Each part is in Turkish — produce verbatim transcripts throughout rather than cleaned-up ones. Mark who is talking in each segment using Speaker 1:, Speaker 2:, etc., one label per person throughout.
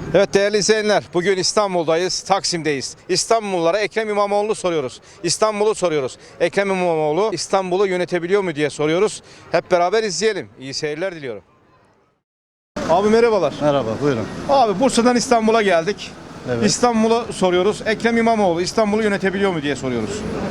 Speaker 1: Evet değerli izleyenler, bugün İstanbul'dayız, Taksim'deyiz. İstanbullulara Ekrem İmamoğlu'nu soruyoruz. İstanbul'u soruyoruz. Ekrem İmamoğlu İstanbul'u yönetebiliyor mu diye soruyoruz. Hep beraber izleyelim. İyi seyirler diliyorum. Abi merhabalar.
Speaker 2: Merhaba, buyurun.
Speaker 1: Abi Bursa'dan İstanbul'a geldik.
Speaker 2: Evet.
Speaker 1: İstanbul'u soruyoruz. Ekrem İmamoğlu İstanbul'u yönetebiliyor mu diye soruyoruz.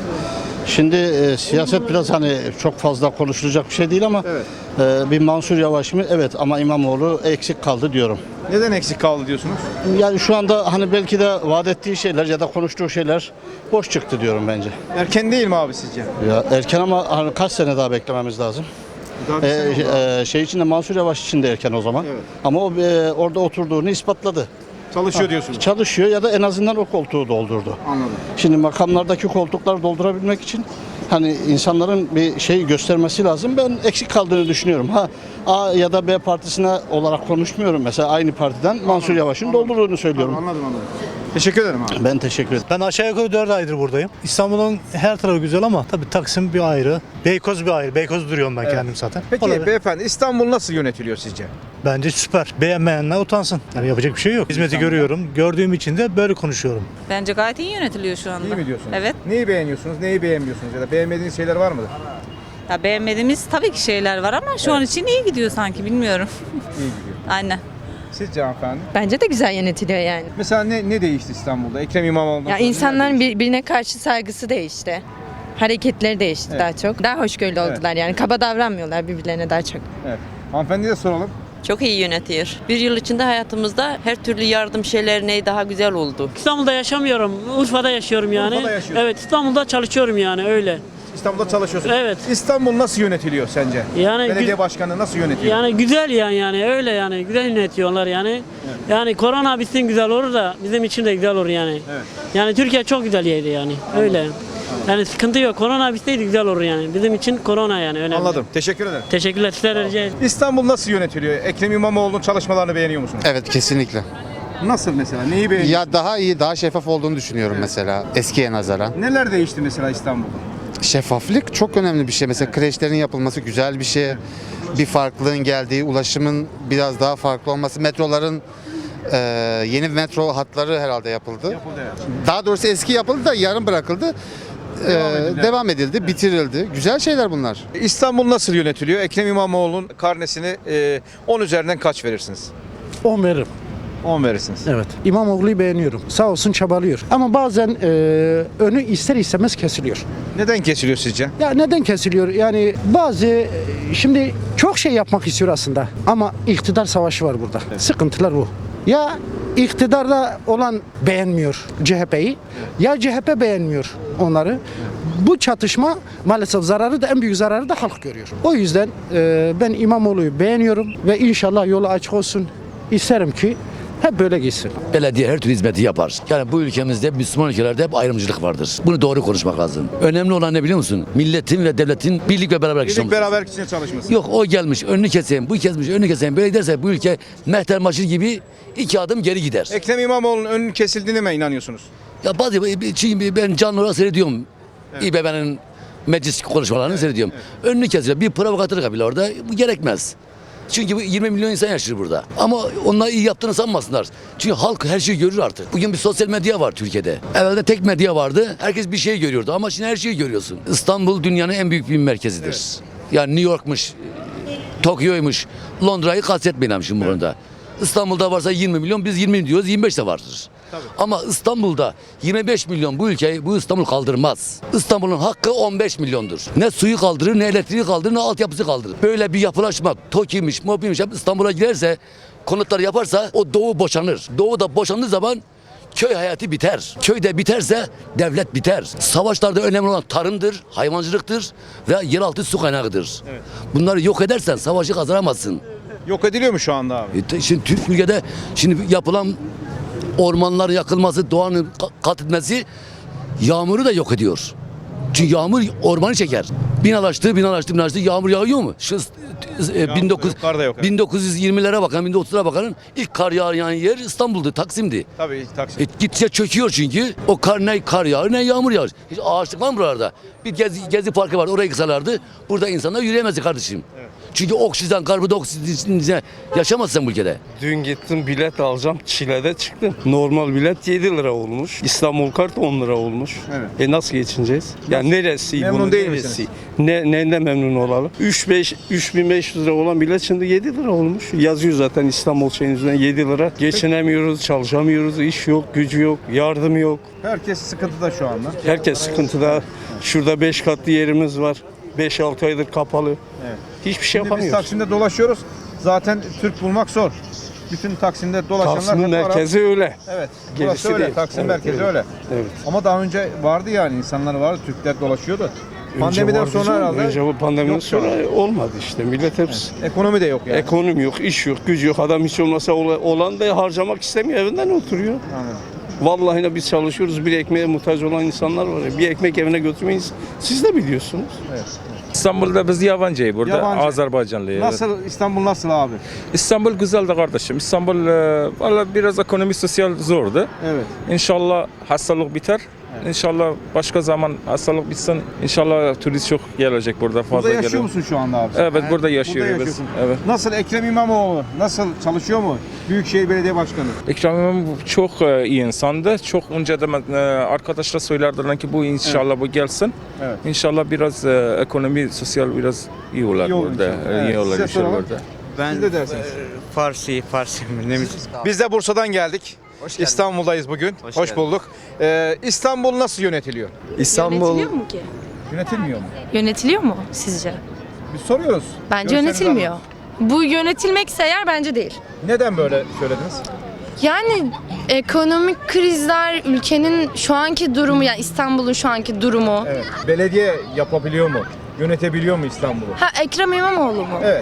Speaker 2: Şimdi e, siyaset biraz hani çok fazla konuşulacak bir şey değil ama
Speaker 1: Evet.
Speaker 2: e, bir Mansur Yavaş mı? Evet, ama İmamoğlu eksik kaldı diyorum.
Speaker 1: Neden eksik kaldı diyorsunuz?
Speaker 2: Yani şu anda hani belki de vaat ettiği şeyler ya da konuştuğu şeyler boş çıktı diyorum bence.
Speaker 1: Erken değil mi abi sizce?
Speaker 2: Ya erken ama hani kaç sene daha beklememiz lazım?
Speaker 1: Daha bir sene oldu abi.
Speaker 2: E, e, şey için de Mansur Yavaş için de erken o zaman.
Speaker 1: Evet.
Speaker 2: Ama o e, orada oturduğunu ispatladı.
Speaker 1: Çalışıyor diyorsunuz.
Speaker 2: Çalışıyor ya da en azından o koltuğu doldurdu.
Speaker 1: Anladım.
Speaker 2: Şimdi makamlardaki koltukları doldurabilmek için hani insanların bir şey göstermesi lazım. Ben eksik kaldığını düşünüyorum. Ha A ya da B partisine olarak konuşmuyorum. Mesela aynı partiden Mansur Yavaş'ın doldurduğunu söylüyorum.
Speaker 1: Anladım anladım. Teşekkür ederim abi.
Speaker 2: Ben teşekkür ederim.
Speaker 3: Ben aşağı yukarı dört aydır buradayım. İstanbul'un her tarafı güzel ama tabii Taksim bir ayrı, Beykoz bir ayrı. Beykoz duruyorum ben
Speaker 1: Evet.
Speaker 3: kendim zaten.
Speaker 1: Peki
Speaker 3: Olabilir.
Speaker 1: beyefendi İstanbul nasıl yönetiliyor sizce?
Speaker 3: Bence süper. Beğenmeyenler utansın. Yani yapacak bir şey yok. Hizmeti görüyorum. Gördüğüm için de böyle konuşuyorum.
Speaker 4: Bence gayet iyi yönetiliyor şu anda.
Speaker 1: İyi mi diyorsunuz?
Speaker 4: Evet.
Speaker 1: Neyi beğeniyorsunuz, neyi beğenmiyorsunuz ya da beğenmediğiniz şeyler var mıdır?
Speaker 4: Ya beğenmediğimiz tabii ki şeyler var ama şu an için iyi gidiyor sanki bilmiyorum.
Speaker 1: İyi gidiyor.
Speaker 4: Aynen.
Speaker 1: Sizce hanımefendi?
Speaker 5: Bence de güzel yönetiliyor yani.
Speaker 1: Mesela ne, ne değişti İstanbul'da? Ekrem İmamoğlu.
Speaker 5: Ya insanların birbirine karşı saygısı değişti. Hareketleri değişti
Speaker 1: Evet.
Speaker 5: daha çok. Daha hoşgörülü
Speaker 1: Evet.
Speaker 5: oldular yani. Kaba davranmıyorlar birbirlerine daha çok.
Speaker 1: Evet. Hanımefendiye de soralım.
Speaker 6: Çok iyi yönetiyor. Bir yıl içinde hayatımızda her türlü yardım şeylerine daha güzel oldu.
Speaker 7: İstanbul'da yaşamıyorum. Urfa'da yaşıyorum yani.
Speaker 1: Urfa'da yaşıyorsun.
Speaker 7: Evet, İstanbul'da çalışıyorum yani öyle.
Speaker 1: İstanbul'da çalışıyorsun.
Speaker 7: Evet.
Speaker 1: İstanbul nasıl yönetiliyor sence?
Speaker 7: Yani
Speaker 1: Belediye
Speaker 7: gü-
Speaker 1: başkanı nasıl yönetiyor?
Speaker 7: Yani güzel yani yani öyle yani güzel yönetiyorlar yani. Yani korona bitsin güzel olur da bizim için de güzel olur yani.
Speaker 1: Evet.
Speaker 7: Yani Türkiye çok güzel yeri yani. Öyle. Yani sıkıntı yok. Korona bitseydi güzel olur yani. Bizim için korona yani önemli.
Speaker 1: Anladım. Teşekkür ederim.
Speaker 7: Teşekkürler. Sizlere rica ederim.
Speaker 1: İstanbul nasıl yönetiliyor? Ekrem İmamoğlu'nun çalışmalarını beğeniyor musunuz?
Speaker 8: Evet, kesinlikle.
Speaker 1: Nasıl mesela? Neyi beğeniyorsunuz?
Speaker 8: Ya daha iyi, daha şeffaf olduğunu düşünüyorum mesela eskiye nazaran.
Speaker 1: Neler değişti mesela İstanbul'da?
Speaker 8: Şeffaflık çok önemli bir şey. Mesela kreşlerin yapılması güzel bir şey. Bir farklılığın geldiği, ulaşımın biraz daha farklı olması, metroların e, yeni metro hatları herhalde yapıldı.
Speaker 1: Yapıldı evet.
Speaker 8: Daha doğrusu eski yapıldı da yarım bırakıldı. E,
Speaker 1: Devam edildi.
Speaker 8: devam edildi, bitirildi. Güzel şeyler bunlar.
Speaker 1: İstanbul nasıl yönetiliyor? Ekrem İmamoğlu'nun karnesini e, on üzerinden kaç verirsiniz?
Speaker 9: on veririm.
Speaker 1: on verirsiniz.
Speaker 9: Evet. İmamoğlu'yu beğeniyorum. Sağ olsun çabalıyor. Ama bazen e, önü ister istemez kesiliyor.
Speaker 1: Neden kesiliyor sizce?
Speaker 9: Ya neden kesiliyor? Yani bazı e, şimdi çok şey yapmak istiyor aslında. Ama iktidar savaşı var burada. Sıkıntılar bu. Ya iktidarda olan beğenmiyor C H P'yi ya C H P beğenmiyor onları. Bu çatışma maalesef zararı da en büyük zararı da halk görüyor. O yüzden e, ben İmamoğlu'yu beğeniyorum ve inşallah yolu açık olsun. İsterim ki hep böyle gitsin.
Speaker 10: Belediye her türlü hizmeti yapar. Yani bu ülkemizde, Müslüman ülkelerde hep ayrımcılık vardır. Bunu doğru konuşmak lazım. Önemli olan ne biliyor musun? Milletin ve devletin birlik ve beraber
Speaker 1: Birlik beraber içinde çalışması.
Speaker 10: Yok o gelmiş, önünü keseyim, bu kesmiş, önünü keseyim. Böyle giderse bu ülke mehter maçı gibi iki adım geri gider.
Speaker 1: Ekrem İmamoğlu'nun önünün kesildiğine mi inanıyorsunuz?
Speaker 10: Ya bazı, çünkü ben canlı olarak seyrediyorum. İBB'nin meclis konuşmalarını seyrediyorum. Önünü kesiyor. Bir provokatörlük bile orada. Bu gerekmez. Çünkü bu yirmi milyon insan yaşıyor burada. Ama onlar iyi yaptığını sanmasınlar. Çünkü halk her şeyi görür artık. Bugün bir sosyal medya var Türkiye'de. Evvelde tek medya vardı. Herkes bir şey görüyordu ama şimdi her şeyi görüyorsun. İstanbul dünyanın en büyük bir merkezidir. Evet. Yani New York'muş, Tokyo'ymuş, Londra'yı kastetmeyelim şimdi bu konuda. İstanbul'da varsa yirmi milyon, biz yirmi diyoruz, yirmi beş de vardır. Tabii. Ama İstanbul'da yirmi beş milyon bu ülkeyi, bu İstanbul kaldırmaz. İstanbul'un hakkı on beş milyondur. Ne suyu kaldırır, ne elektriği kaldırır, ne altyapısı kaldırır. Böyle bir yapılaşma, TOKİ'miş, MOBİ'miş hep İstanbul'a girerse, konutları yaparsa o doğu boşanır. Doğu da boşandığı zaman köy hayatı biter. Köyde biterse devlet biter. Savaşlarda önemli olan tarımdır, hayvancılıktır ve yeraltı su kaynağıdır. Evet. Bunları yok edersen savaşı kazanamazsın.
Speaker 1: Yok ediliyor mu şu anda abi?
Speaker 10: E, şimdi Türk ülkede şimdi yapılan ormanlar yakılması, doğanın katletmesi yağmuru da yok ediyor. Çünkü yağmur ormanı çeker. Binalaştı, binalaştı, binalaştı. Yağmur yağıyor mu? Şu e, bin dokuz yüz,
Speaker 1: yok, kar da yok, evet.
Speaker 10: bin dokuz yüz yirmilere bakan, bin dokuz yüzlere bakanın ilk kar yağan yer İstanbul'du, Taksim'di.
Speaker 1: Tabii Taksim.
Speaker 10: E, gittikçe çöküyor çünkü. O kar ne kar yağar ne yağmur yağar. Hiç ağaçlık var mı buralarda? Bir gezi, gezi parkı var, orayı kısalardı. Burada insanlar yürüyemezdi kardeşim. Evet. Çünkü oksijen, karbondioksit yaşamazsın bu ülkede.
Speaker 11: Dün gittim bilet alacağım. Çile'de çıktım. Normal bilet yedi lira olmuş. İstanbul kart on lira olmuş.
Speaker 1: Evet.
Speaker 11: E nasıl geçineceğiz? Yani neresi?
Speaker 1: Memnun
Speaker 11: bunun
Speaker 1: değil
Speaker 11: neresi?
Speaker 1: misiniz?
Speaker 11: Ne, neyden memnun olalım? üç bin beş yüz lira olan bilet şimdi yedi lira olmuş. Yazıyor zaten İstanbul şeyin üzerine yedi lira. Geçinemiyoruz, çalışamıyoruz, iş yok, gücü yok, yardım yok.
Speaker 1: Herkes sıkıntıda şu anda.
Speaker 11: Herkes sıkıntıda. Şurada beş katlı yerimiz var. beş altı aydır kapalı.
Speaker 1: Evet.
Speaker 11: Hiçbir şey
Speaker 1: Şimdi biz
Speaker 11: yapamıyoruz.
Speaker 1: Taksim'de dolaşıyoruz. Zaten Türk bulmak zor. Bütün Taksim'de dolaşanlar
Speaker 11: Taksim'in
Speaker 1: hep Arap.
Speaker 11: merkezi öyle.
Speaker 1: Evet.
Speaker 11: Gerisi
Speaker 1: Burası öyle.
Speaker 11: değil.
Speaker 1: Taksim
Speaker 11: Evet,
Speaker 1: merkezi
Speaker 11: evet.
Speaker 1: öyle.
Speaker 11: Evet.
Speaker 1: Ama daha önce vardı yani insanlar vardı. Türkler dolaşıyordu. Pandemiden
Speaker 11: vardı
Speaker 1: sonra
Speaker 11: canım.
Speaker 1: herhalde.
Speaker 11: Önce bu pandemiden
Speaker 1: yok şu an.
Speaker 11: sonra olmadı işte. Millet hepsi.
Speaker 1: Ekonomi de yok yani.
Speaker 11: Ekonomi yok, iş yok, gücü yok. Adam hiç olmasa ola- olan da harcamak istemiyor. Evinden oturuyor.
Speaker 1: Anladım.
Speaker 11: Vallahi de biz çalışıyoruz. Bir ekmeğe muhtaç olan insanlar var ya. Bir ekmek evine götürmeyiz. Siz de biliyorsunuz.
Speaker 1: Evet.
Speaker 12: İstanbul'da biz yabancıyız burada.
Speaker 1: Yabancı.
Speaker 12: Azerbaycanlıyız.
Speaker 1: Nasıl İstanbul nasıl abi?
Speaker 12: İstanbul güzel de kardeşim. İstanbul e, valla biraz ekonomi sosyal zordu.
Speaker 1: Evet.
Speaker 12: İnşallah hastalık biter. İnşallah başka zaman hastalık bitsin. İnşallah turist çok gelecek burada fazla
Speaker 1: Burada yaşıyor
Speaker 12: geliyor.
Speaker 1: musun şu anda abi?
Speaker 12: Evet,
Speaker 1: He?
Speaker 12: burada yaşıyoruz biz.
Speaker 1: yaşıyorsun.
Speaker 12: Evet.
Speaker 1: Nasıl Ekrem İmamoğlu? Nasıl çalışıyor mu? Büyükşehir Belediye Başkanı.
Speaker 12: Ekrem İmamoğlu çok e, iyi insandı. Çok önceden e, arkadaşlar söylerdiler ki bu inşallah bu gelsin.
Speaker 1: Evet.
Speaker 12: İnşallah biraz e, ekonomi sosyal biraz iyi olur
Speaker 1: İyi olur
Speaker 12: burada.
Speaker 1: inşallah.
Speaker 12: E,
Speaker 1: Evet.
Speaker 12: iyi olur
Speaker 1: Size
Speaker 12: inşallah
Speaker 1: soralım.
Speaker 12: burada.
Speaker 1: Siz de dersiniz.
Speaker 13: Farsi, Farsi ne mi?
Speaker 1: Biz de Bursa'dan geldik. İstanbul'dayız bugün. Hoş,
Speaker 13: Hoş
Speaker 1: bulduk. Ee, İstanbul nasıl yönetiliyor?
Speaker 13: İstanbul
Speaker 5: Yönetiliyor mu ki?
Speaker 1: Yönetilmiyor mu?
Speaker 5: Yönetiliyor mu sizce?
Speaker 1: Biz soruyoruz.
Speaker 5: Bence
Speaker 1: Görüşlerinizi
Speaker 5: yönetilmiyor.
Speaker 1: alıyoruz.
Speaker 5: Bu yönetilmekse eğer bence değil.
Speaker 1: Neden böyle söylediniz?
Speaker 5: Yani ekonomik krizler, ülkenin şu anki durumu, yani İstanbul'un şu anki durumu.
Speaker 1: Evet. Belediye yapabiliyor mu? Yönetebiliyor mu İstanbul'u?
Speaker 5: Ha, Ekrem İmamoğlu mu?
Speaker 1: Evet.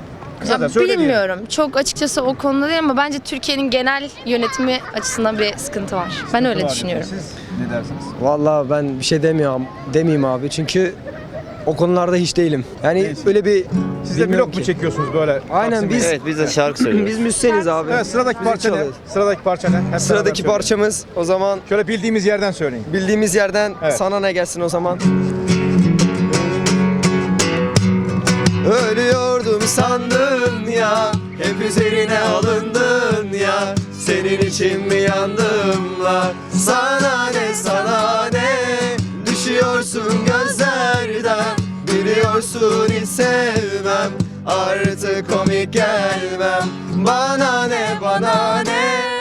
Speaker 5: Ya
Speaker 1: Kısaca söyle diyelim.
Speaker 5: bilmiyorum. Çok açıkçası o konuda değil ama bence Türkiye'nin genel yönetimi açısından bir sıkıntı var. Ben öyle
Speaker 1: Var
Speaker 5: düşünüyorum.
Speaker 1: diyorsunuz. Siz ne dersiniz?
Speaker 13: Vallahi ben bir şey demiyorum, demeyeyim abi çünkü o konularda hiç değilim. Yani
Speaker 1: Değilsin.
Speaker 13: öyle bir
Speaker 1: Siz de
Speaker 13: bilmiyorum
Speaker 1: blok mu
Speaker 13: ki.
Speaker 1: çekiyorsunuz böyle?
Speaker 13: Aynen
Speaker 1: Taksim'de?
Speaker 13: biz
Speaker 1: Evet.
Speaker 13: biz de şarkı söylüyoruz. biz müzisyeniz abi.
Speaker 1: Evet, sıradaki
Speaker 13: Müzik
Speaker 1: parça ne?
Speaker 13: çalıyoruz.
Speaker 1: Sıradaki parça ne? Hep beraber
Speaker 13: Sıradaki
Speaker 1: söyleyelim.
Speaker 13: parçamız o zaman
Speaker 1: Şöyle bildiğimiz yerden söyleyin.
Speaker 13: bildiğimiz yerden
Speaker 1: Evet.
Speaker 13: sana ne gelsin o zaman. Ölüyordum sandın ya, hep üzerine alındın ya. Senin için mi yandım la? Sana ne sana ne? Düşüyorsun gözlerden. Biliyorsun hiç sevmem. Artık komik gelmem. Bana ne bana ne?